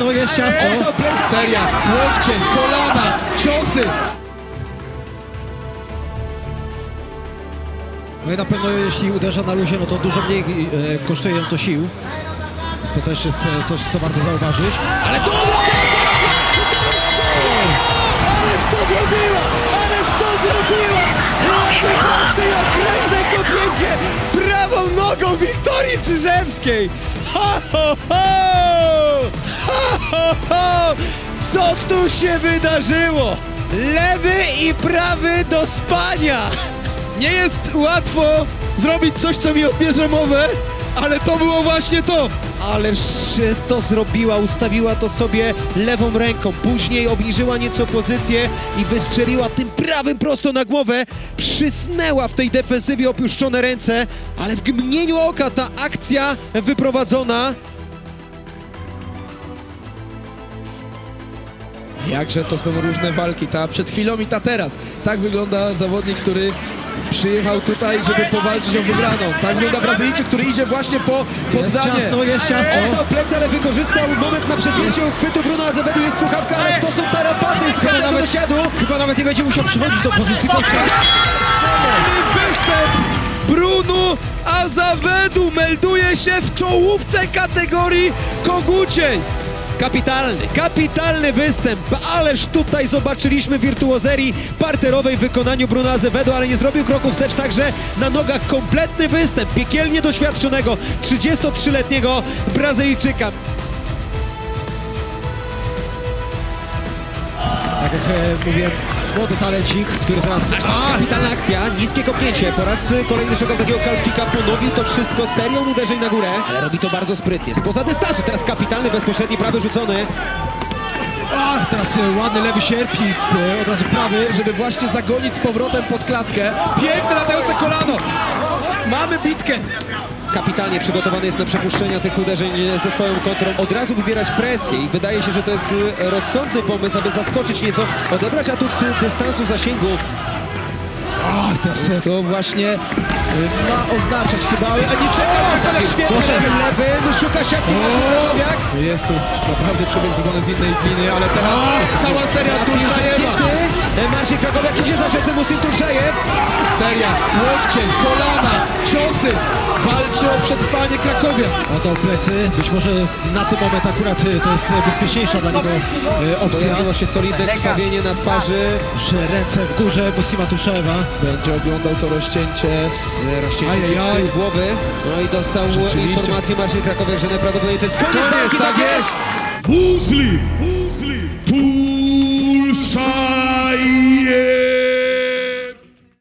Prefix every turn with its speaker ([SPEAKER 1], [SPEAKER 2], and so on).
[SPEAKER 1] ciasno, jest ciasno.
[SPEAKER 2] Seria, łokcie, kolana, ciosy.
[SPEAKER 1] No i na pewno jeśli uderza na luzie, no to dużo mniej kosztuje ją to sił. Więc to też jest coś, co warto zauważyć.
[SPEAKER 3] Ale to... Ależ to zrobiła! Ależ to zrobiła! Ładne, proste i okrężne kopnięcie prawą nogą Wiktorii Czyżewskiej! Ha, ho, ho! Ha, ho, ho! Co tu się wydarzyło? Lewy i prawy do spania!
[SPEAKER 2] Nie jest łatwo zrobić coś, co mi odbierze mowę, ale to było właśnie to.
[SPEAKER 3] Ależ to zrobiła, ustawiła to sobie lewą ręką, później obniżyła nieco pozycję i wystrzeliła tym prawym prosto na głowę, przysnęła w tej defensywie opuszczone ręce, ale w mgnieniu oka ta akcja wyprowadzona.
[SPEAKER 2] Jakże to są różne walki, ta przed chwilą i ta teraz. Tak wygląda zawodnik, który przyjechał tutaj, żeby powalczyć o wygraną. Tak wygląda Brazylijczyk, który idzie właśnie po poddanie.
[SPEAKER 1] Jest ciasno.
[SPEAKER 3] Oddał plecy, ale wykorzystał moment na przepięcie uchwytu Bruno Azevedo, jest słuchawka, ale to są tarapaty z pewnego dosiadu.
[SPEAKER 1] Chyba nawet nie będzie musiał przychodzić do pozycji gościa.
[SPEAKER 2] Występ Bruno Azevedo melduje się w czołówce kategorii koguciej.
[SPEAKER 3] Kapitalny występ, ależ tutaj zobaczyliśmy wirtuozerii parterowej w wykonaniu Bruno Azevedo, ale nie zrobił kroku wstecz, także na nogach kompletny występ piekielnie doświadczonego 33-letniego Brazylijczyka.
[SPEAKER 1] Tak jak mówiłem, młody talencik, który teraz...
[SPEAKER 3] Kapitalna akcja, niskie kopnięcie, po raz kolejny szukał takiego calf kicka, ponowi to wszystko serią uderzeń na górę, ale robi to bardzo sprytnie, spoza dystansu, teraz kapitalny, bezpośredni, prawy rzucony.
[SPEAKER 1] Ach, teraz ładny lewy sierp i od razu prawy,
[SPEAKER 2] Żeby właśnie zagonić z powrotem pod klatkę. Piękne latające kolano. Mamy bitkę.
[SPEAKER 3] Kapitalnie przygotowany jest na przepuszczenia tych uderzeń ze swoją kontrą. Od razu wybierać presję i wydaje się, że to jest rozsądny pomysł, aby zaskoczyć nieco, odebrać atut dystansu, zasięgu.
[SPEAKER 2] Ach, to właśnie ma oznaczać chyba, ale nie czekał tak świetnie.
[SPEAKER 3] Lewym, szuka siatki Marcin Krakowiak.
[SPEAKER 2] Jest to naprawdę człowiek zrobiony z innej gliny, ale teraz cała seria Tulszajewa.
[SPEAKER 3] Marcin Krakowiak idzie za czasem Muslim Tulszajew.
[SPEAKER 2] Seria, łokcie, kolana, ciosy. Walczy o przetrwanie Krakowia.
[SPEAKER 1] oddał plecy. Być może na ten moment akurat to jest bezpieczniejsza dla niego opcja.
[SPEAKER 3] Pojawiło się solidne krwawienie na twarzy.
[SPEAKER 1] Że ręce w górze Muslima Tulszajewa.
[SPEAKER 2] Będzie oglądał to rozcięcie.
[SPEAKER 3] Rozcięcie z tyłu głowy. No i dostał
[SPEAKER 2] Rzeczywiście.
[SPEAKER 3] informację Marcin Krakowiak, że najprawdopodobniej to jest koniec walki.
[SPEAKER 2] Tak jest!
[SPEAKER 4] Muslim